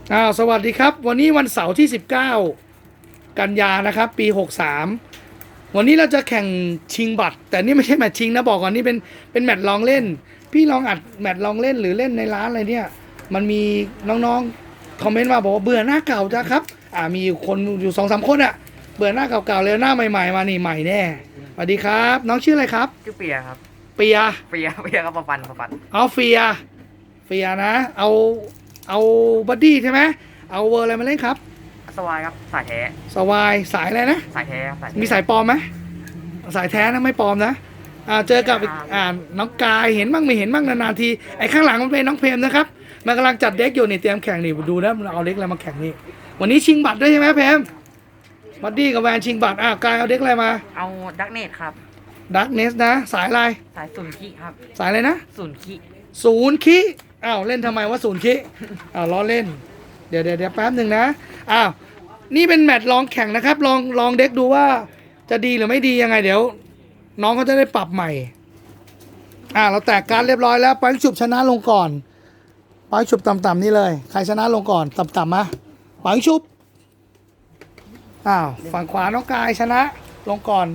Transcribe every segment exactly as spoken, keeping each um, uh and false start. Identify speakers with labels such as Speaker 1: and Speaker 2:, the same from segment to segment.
Speaker 1: อ้าวสวัสดีครับวันนี้วันเสาร์ที่สิบเก้ากันยานะครับปีหกสามวันนี้เราจะแข่งชิงบัตรแต่นี่ไม่ใช่แมตช์ชิงนะบอกก่อนนี่เป็นเป็นแมตช์ลองเล่นพี่ลองอัดแมตช์ลองเล่นหรือเล่นในร้านอะไรเนี่ยมันมีน้องๆคอมเมนต์มาบอกว่าเบื่อหน้าเก่าจ้ะครับอ่ามีคนอยู่สองสามคนอะเบื่อหน้าเก่าๆเลยหน้าใหม่ๆมานี่ใหม่แน่สวัสดีครับน้องชื่ออะไรครับ
Speaker 2: ชื่อเปียครับ
Speaker 1: เปีย
Speaker 2: เปียเปียกับปะปันปะปัน
Speaker 1: เอาเฟียเฟียนะเอาเอาบัดดี้ใช่ไหมเอาเวอร์อะไรมาเล่นครับ
Speaker 2: สวายครับสายแท้
Speaker 1: สวายสายอะไรนะ
Speaker 2: สายแท้ครับสายแท้
Speaker 1: มีสายปลอมไหมสายแท้นะไม่ปลอมนะอ่าเจอกับอีกอ่าน้องกายเห็นบ้างไม่เห็นบ้างนานๆทีไอ้ข้างหลังมันเป็นน้องเพมนะครับมันกำลังจัดเด็กอยู่นี่เตรียมแข่งนี่ดูนะมันเอาเด็กอะไรมาแข่งนี่วันนี้ชิงบัตรด้วยใช่ไหมเพมบัดดี้กับแวนชิงบัตรอ่ากายเอาเด็กอะไรมา
Speaker 2: เอาดักเนตครับ
Speaker 1: ดักเนสนะสายอะไร
Speaker 2: สายศูนย์คิครับ
Speaker 1: สายอะไรนะ
Speaker 2: ศูนย์คิ
Speaker 1: ศูนย์คิอ้าวเล่นทำไมว่าศูนย์คิอ้าวล้อเล่นเดี๋ยวเดี๋ยวเดี๋ยวแป๊บหนึ่งนะอ้าวนี่เป็นแมตช์ลองแข่งนะครับลองลองเด็กดูว่าจะดีหรือไม่ดียังไงเดี๋ยวน้องเขาจะได้ปรับใหม่อ่าเราแตกการเรียบร้อยแล้วไปฉุบชนะลงก่อนไปฉุบต่ำๆนี่เลยใครชนะลงก่อนต่ำๆมาไปฉุบอ้าวฝั่งขวาน้องกายชนะลงก่อน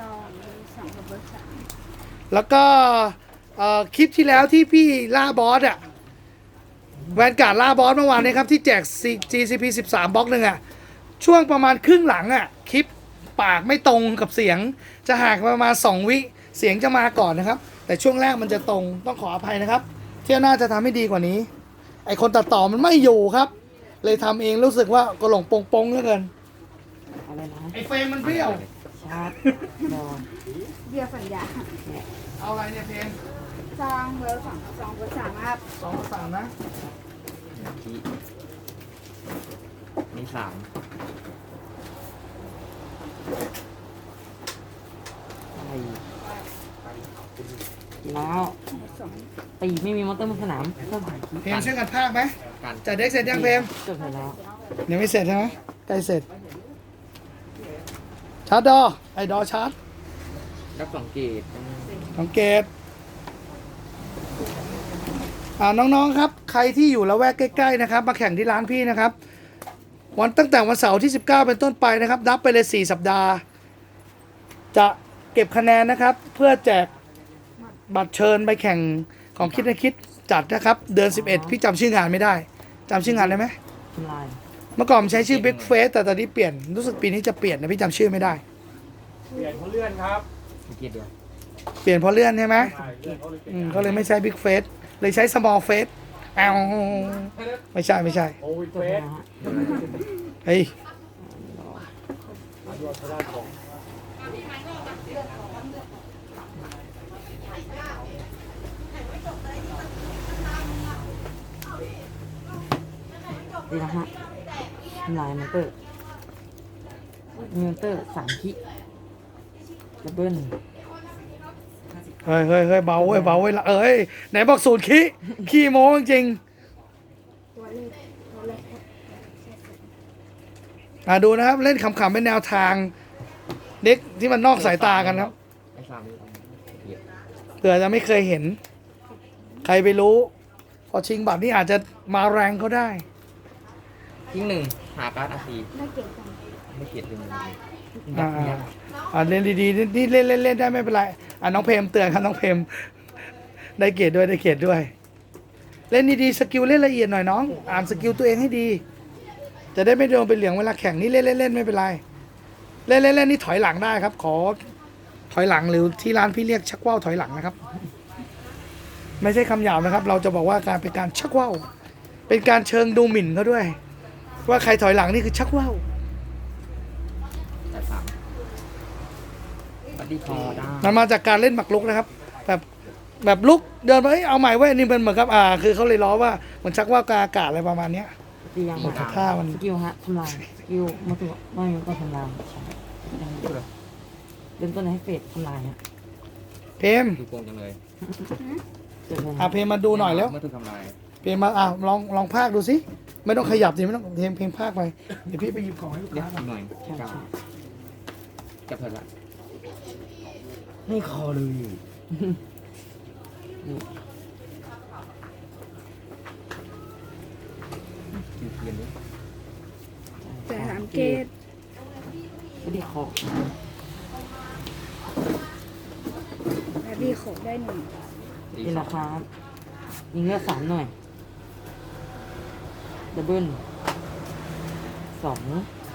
Speaker 1: แล้วก็คลิปที่แล้วที่พี่ล่าบอสอะแวนการ์ดล่าบอสเมื่อวานนี้ครับที่แจก จี ซี พี สิบสามบล็อกหนึ่งอะช่วงประมาณครึ่งหลังอะคลิปปากไม่ตรงกับเสียงจะห่างประมาณสองวิเสียงจะมาก่อนนะครับแต่ช่วงแรกมันจะตรงต้องขออภัยนะครับเที่ยวหน้าจะทำให้ดีกว่านี้ไอคนตัดต่อมันไม่อยู่ครับเลยทำเองรู้สึกว่ากระหล่งปงปงเหลือเกิน
Speaker 2: อะไรนะ
Speaker 1: ไอเฟรมมันเปรี้ยว
Speaker 2: ชาร์จบอล
Speaker 3: เบียร์สัญญา
Speaker 1: เอาอะไรเนี่ยเพลง
Speaker 3: ซองเบอร์สองซองเบอร์สามครับ
Speaker 1: สองกับสามนะ
Speaker 2: มีสามแล้วตีไม่มีมอเตอร์บนสนาม
Speaker 1: เพลงช่วยกันภาคไหมจัดเด็กเสร็จยังเพลง
Speaker 2: จบแล้ว
Speaker 1: ยังไม่เสร็จใช่ไหมใกล้เสร็จชาร์จดอไอดอชาร์จ
Speaker 2: รับสองเกต
Speaker 1: สังเกตอ่าน้องๆครับใครที่อยู่ละแวกใกล้ๆนะครับมาแข่งที่ร้านพี่นะครับวันตั้งแต่วันเสาร์ที่สิบเก้าเป็นต้นไปนะครับนับไปเลยสี่สัปดาห์จะเก็บคะแนนนะครับเพื่อแจกบัตรเชิญไปแข่งของคิดนะคิดจัดนะครับเดือนสิบเอ็ดพี่จำชื่องานไม่ได้จำชื่องานได้ไหมเมื่อก่อนใช้ชื่อ Big Face แต่ตอนนี้เปลี่ยนรู้สึกปีนี้จะเปลี่ยนนะพี่จำชื่อไม่ได้
Speaker 4: เปลี่ยนเพราะเลื่อนครับ
Speaker 1: เปลี่ยนเพราะเลื่อนใช่ไหมอืมก็เลยไม่ใช้ Big Face เลยใช้ Small Face อ้าวไม่ใช่ไม่ใช่
Speaker 4: โอ้ยเฟส
Speaker 1: เฮ้ย
Speaker 2: ดีนะฮะลายมอเตอร์มอเตอร์สามคิดับเบิ้ล
Speaker 1: เฮ้ยเฮ้ยเฮ้ยเบาเว้ยเบาเว้ยเอ้ยไหนบอกศูนย์ขี้ขี้โม้จริงอ่าดูนะครับเล่นขำๆเป็นแนวทางเด็กที่มันนอกสายตากันครับเผื่อจะไม่เคยเห็นใครไปรู้พอชิงบัตรนี่อาจจะมาแรงเขาได้
Speaker 2: ทิ้งหนึ่งหาการ์ดอาซีไม่เกียดเลย
Speaker 1: อ่าอ่าเล่นดีๆนี่เล่นเล่นเล่นได้ไม่เป็นไรอ่าน้องเพมเตือนครับน้องเพมได้เกียรติด้วยได้เกียรติด้วยเล่นดีๆสกิลเล่นละเอียดหน่อยน้องอ่านสกิลตัวเองให้ดีจะได้ไม่โดนเป็นเหลืองเวลาแข่งนี่เล่นเล่นเล่นไม่เป็นไรเล่นเล่นเล่นนี่ถอยหลังได้ครับขอถอยหลังหรือที่ร้านพี่เรียกชักว่าวถอยหลังนะครับไม่ใช่คำหยาบนะครับเราจะบอกว่าการเป็นการชักว่าวเป็นการเชิงดูหมิ่นเขาด้วยว่าใครถอยหลังนี่คือชักว่าวมันมาจากการเล่นหมักลุกนะครับแบบแบบลุกเดินไปเอาใหม่ไว้นี่เป็นเหมือนกับอ่าคือเขาเลยล้อว่าเหมือนชักว่าวกาอากาศอะไรประมาณเนี้ยหมดท่ามัน
Speaker 2: สกิลฮะทำลายสกิลมาตัวไม่ก็ทำลายเริ่มต้นให้เฟดทำลายฮะ
Speaker 1: เพม
Speaker 4: ดูโกงจังเลย
Speaker 1: อ่ะเพมมาดูหน่อยแล้วเพมมาอ่ะลองลองพากดูสิไม่ต้องขยับสิไม่ต้องเพมเพมพากไปเดี๋ยวพี่ไปหยิบของให้ลูกค้า
Speaker 4: หน่อยจับเถอะละ
Speaker 2: ไม่คอเลย
Speaker 4: เ
Speaker 3: แต่สามเกต
Speaker 2: ไม่ได้ครบ
Speaker 3: และดีโขกได้หนึ่ง
Speaker 2: นี่แหละครับยิงเลือดสามหน่อยดับเบิลสอง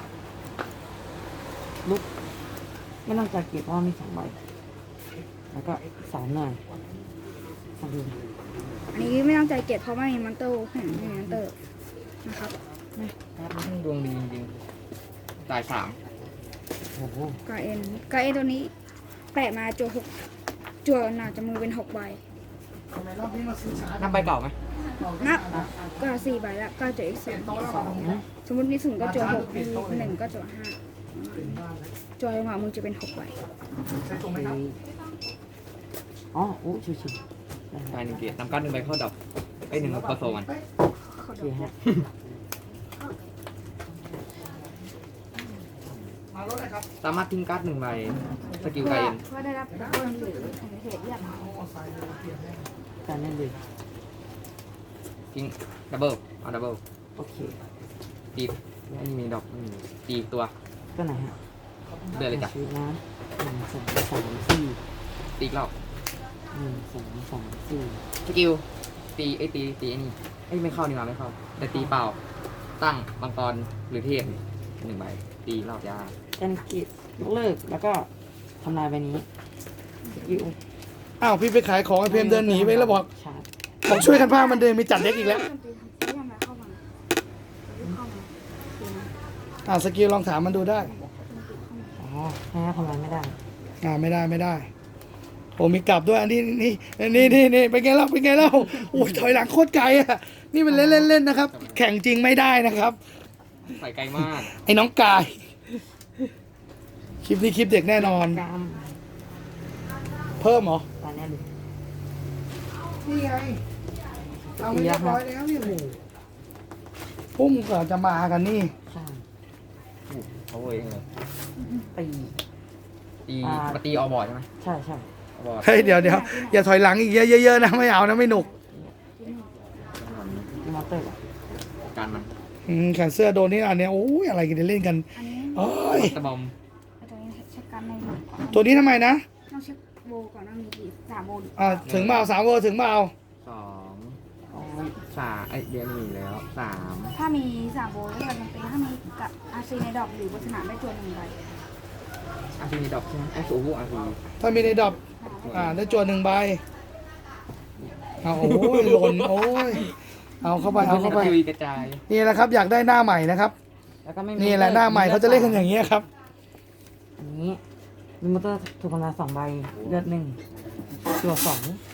Speaker 2: ลุกไม่ต้องจัดเก็บเพราะว่ามีสองใบแล้วก็สามหน่อยสามดู
Speaker 3: อันนี้ไม่ต้องใจเกตเพราะไม่มีมอนเตอร์แข่งไม่มีมอนเตอร์นะครับ
Speaker 5: ครับดวงดีจริงๆตายสาม
Speaker 2: โอ้โห
Speaker 3: กาเอ็นกาเอ็นตัวนี้แปะมาจัวหกจัวหนาจะมือเป็นหกใบ
Speaker 1: ทำไมรอบนี้มาซื้อช้า
Speaker 5: นับใบเก่าไหม
Speaker 3: นับก็สี่ใบแล้วก็จัวอีกสอง
Speaker 2: สอง
Speaker 3: สมมติมีศูนย์ก็จัวหกมีหนึ่งก็จัวห้าจัวหัวมือจะเป็นหกใบ
Speaker 1: ใช้ตรงไหมครับ
Speaker 2: อ๋อโอ้ชิวๆได้
Speaker 5: ตายหนึ่งเกียร์นำการ์ดหนึ่งใบเข้าดับไอ้ยหนึ่งคอโซมัน
Speaker 2: โอเคฮะ
Speaker 1: มารถหน่อยครับ
Speaker 5: สามารถทิ้งการ์ดหนึ่งใบสกิล
Speaker 3: เพื่
Speaker 5: ไก
Speaker 3: อ
Speaker 5: เอ็น
Speaker 3: เพื่อได้รับดับเบิลหรือเหตุเรียก
Speaker 2: การนั่นเลย
Speaker 5: ทิ้งดับเบิลเอาดับเบิล
Speaker 2: โอเค
Speaker 5: ตีไม่มีดอกไม่มีตีอีกตัว
Speaker 2: ก็ไหนฮะ
Speaker 5: เดือนเลยจ้ะ
Speaker 2: ชีวิตนะหนึ่งสองสามสี่
Speaker 5: ตีอีกรอบ
Speaker 2: หนึ่งสองสามสี่
Speaker 5: สกิลตีไอ้ยตีตีไอ้นี่ไอ้ยไม่เข้านี่มาไม่เข้าแต่ตีเปล่าตั้งมังกรหรือเทพหนึ่งใบตีรอบยา
Speaker 2: การกิจยกเลิกแล้วก็ทำลายใบนี้สกิล
Speaker 1: อ้าวพี่ไปขายของไอเพมเดินหนีไปแล้วบอก
Speaker 2: ชาร์จ
Speaker 1: บอกช่วยกันพามันเดินไปจัดเด็กอีกแล้ว
Speaker 3: เรียกมาเข้ามาเข้ามา
Speaker 1: อ่าสกิลลองถามมันดูได้
Speaker 2: อ๋อแพ้ทำลายไม่ได้
Speaker 1: อ่าไม่ได้ไม่ได้โอ้มีกลับด้วยอันนี้นี่นี่นี่นี่เป็นไงเล่าเป็นไงเล่าโอ้ยถอยหลังโคตรไกลอ่ะนี่มันเล่นเล่นเล่นนะครับ แข่งจริงไม่ได้นะครับ
Speaker 5: ใส่ไกลมาก
Speaker 1: ไอ้น้องกาย คลิปนี้คลิปเด็กแน่นอน
Speaker 2: กรรม
Speaker 1: เพิ่มเหรอ
Speaker 2: ตอนนี้เลย
Speaker 1: นี่ไงเอาไม่เรียบร้อยแล้วนี่โอ้โหพุ่มก่อนจะมากันนี่
Speaker 2: ข้าง
Speaker 5: เขาเองเลย
Speaker 2: ตี
Speaker 5: ตีมาตีออบอร์ดใช่ไหม
Speaker 2: ใช่ใช่
Speaker 5: ออบอร์ด
Speaker 1: เฮ้ยเดี๋ยวเดี๋ยวอย่าถอยหลังอีกเยอะๆนะไม่เอานะไม่หนุก
Speaker 2: ที่มอเตอร์ก่อน
Speaker 5: การมัน
Speaker 1: อืมแขนเสื้อโดนนี่อันเนี้ยโอ้ยอะไรกันเนี่ยเล่นกัน
Speaker 3: อันนี้
Speaker 1: โอ้ย
Speaker 5: ตะบอม
Speaker 3: ตัวนี้เช็คกันในหนึ่งก่อน
Speaker 1: ตัวนี้ทำไมนะ
Speaker 3: ต้องเช็คโบก่อนว่ามีกี่สามโบ
Speaker 1: อ่าถึงมาเอาสามเวอร์ถึงมาเอา
Speaker 5: สอง
Speaker 2: โอ้ย
Speaker 5: สามไอยเดียวมีแล้วสาม
Speaker 3: ถ้ามีสามโบแล้วก็ยังเป็นถ้ามีกับอาซีในดอกหรือบนสนามได้ตัวหนึ่งใบ
Speaker 5: อาร์พีดอกใช่ไหมไอ้สูบูอาร์พี
Speaker 1: ถ้ามีในดอบอ่าได้จวนหนึ่งใบเอาโอ้ยหล่นโอ้ยเอาเข้าไปเอาเข้าไป
Speaker 5: ทีวีกระจาย
Speaker 1: นี่แหละครับอยากได้หน้าใหม่นะครับ
Speaker 2: แล้วก็ไม่มี
Speaker 1: นี่แหละหน้าใหม่เขาจะเล่นกันอย่างนี้ยครับ
Speaker 2: อันนี้มีมอเตอร์ถูกทำลายสองใบเลือดหนึ่งตัวสอง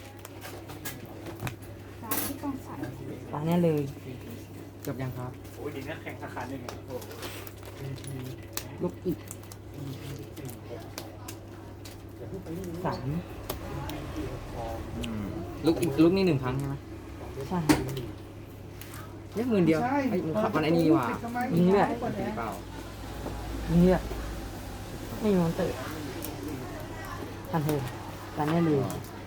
Speaker 3: สามที่ต้องใส่
Speaker 2: ตอนนี้เลย
Speaker 5: จบยังครับ
Speaker 4: โอ้ยดีนะแข่งสาขาหนึ่งอะโอ้
Speaker 2: ลูกอีกสาม
Speaker 5: ลุกอีกลุกนี่หนึ่งครั้งใช่ไหม
Speaker 2: ใช่
Speaker 5: เรียกหมื่นเดียว
Speaker 1: ใช่
Speaker 5: ไอ้มันขับมันไอ้นี่ว่ะ
Speaker 2: ยิงเลือด
Speaker 5: ตีเปล่า
Speaker 2: ยิงเลือดไม่มีมอเตอร์ทันเทิร์นตอนนี้เลย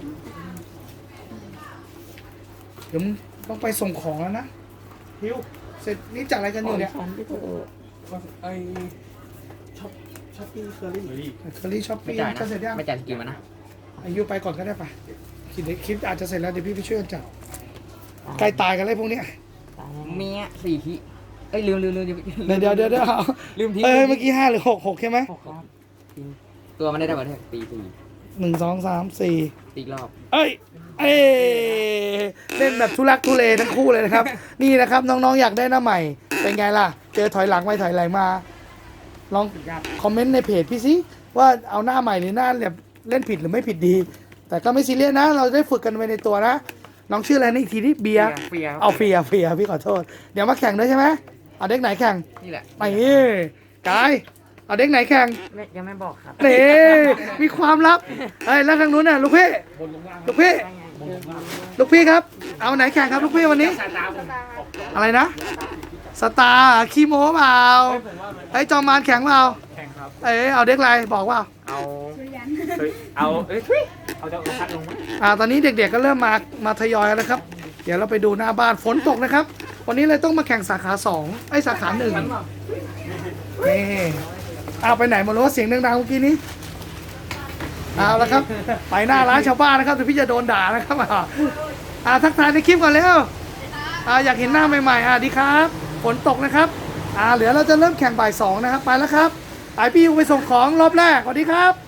Speaker 1: เดี๋ยวต้องไปส่งของแล้วนะฮิวเสร็จนี่จัดอะไรกันอยู่เนี่ย
Speaker 2: ฉันที่เธอ
Speaker 4: ไอช็อปช็อปปี้เคอรี่หรือ
Speaker 1: เคอรี่ช้อป
Speaker 5: ไม่
Speaker 1: ปี้
Speaker 5: จ่าย
Speaker 1: จะ
Speaker 5: นะ
Speaker 1: เสร็จยัง
Speaker 5: ไม่จ่ายสกิลมานะ
Speaker 1: อายุไปก่อนก็ได้ปะคิดคลิปอาจจะเสร็จแล้วเดี๋ยวพี่ไปช่วยกันจัดใกล้ตายกันเลยพวกเนี้ย
Speaker 2: ตายแน่
Speaker 5: เมียสี่ทีเอ้ยลืมลืมลืม
Speaker 1: เดี๋ยวเดี๋ยวเดี๋ยวเดี๋ยวเอา
Speaker 5: ลืมที
Speaker 1: เอ้ยเมื่อกี้ห้าหรือหกหกใช่ไหม
Speaker 2: หกครับ
Speaker 5: ตัวมันได้ดับเบิลแท็กตีสี่
Speaker 1: หนึ่งสองสามสี่
Speaker 5: ตีอีกรอบ
Speaker 1: เอ้ย เอ้ยเล่นแบบทุลักทุเลทั้งคู่เลยนะครับ นี่นะครับน้องๆอยากได้หน้าใหม่ เป็นไงล่ะ เจอถอยหลังไปถอยหลังมา ลองคอมเมนต์ในเพจพี่สิว่าเอาหน้าใหม่หรือหน้าแบบเล่นผิดหรือไม่ผิดดี แต่ก็ไม่ซีเรียสนะ เราได้ฝึกกันไปในตัวนะ น้องชื่ออะไรนี่อีกทีนี่เบียร์
Speaker 5: เฟียร์
Speaker 1: เอาเฟียร์เฟียร์พี่ขอโทษ เดี๋ยวมาแข่งด้วยใช่ไหมเอาเด็กไหนแข่ง
Speaker 5: นี่แหละ
Speaker 1: ไอ้กายเอาเด็กไหนแข่ง
Speaker 2: ไม่ยังไม่บอกครับ
Speaker 1: นี่มีความลับเฮ้ยแล้วทางนู้นน่ะลูกพี่ลูกพี่
Speaker 2: ได้ไงเจอมา
Speaker 1: ลูกพี่ครับ เอาไหนแข่งครับลูกพี่วันนี้ อะไรนะ สตาร์ขี้โม้เปล่าไอ้ยจอมมารแข่งเปล่า
Speaker 4: แข่งครับ
Speaker 1: เอ้ยเอาเด็กอะไรบอกว่า
Speaker 4: เอา
Speaker 3: สุริยัน
Speaker 4: เฮ้ยเอาเอ้ยทุยเอาจะเอาพัดลงไหม
Speaker 1: อ่าตอนนี้เด็กๆก็เริ่มมามาทยอยแล้วนะครับ เดี๋ยวเราไปดูหน้าบ้านฝนตกนะครับวันนี้เลยต้องมาแข่งสาขาสองไอ้สาขาหนึ่งนี่เอาไปไหนหมดแล้ววะเสียงดังๆเมื่อกี้นี้เอาละครับ ไปหน้าร้านชาวบ้านนะครับเดี๋ยวพี่จะโดนด่านะครับอ่าอ่าทักทายในคลิปก่อนแล้วอ่าอยากเห็นหน้าใหม่ๆอ่าดีครับฝนตกนะครับอ่าเหลือเราจะเริ่มแข่งบ่ายสองนะครับไปแล้วครับไอพี่ยูไปส่งของรอบแรกสวัสดีครับ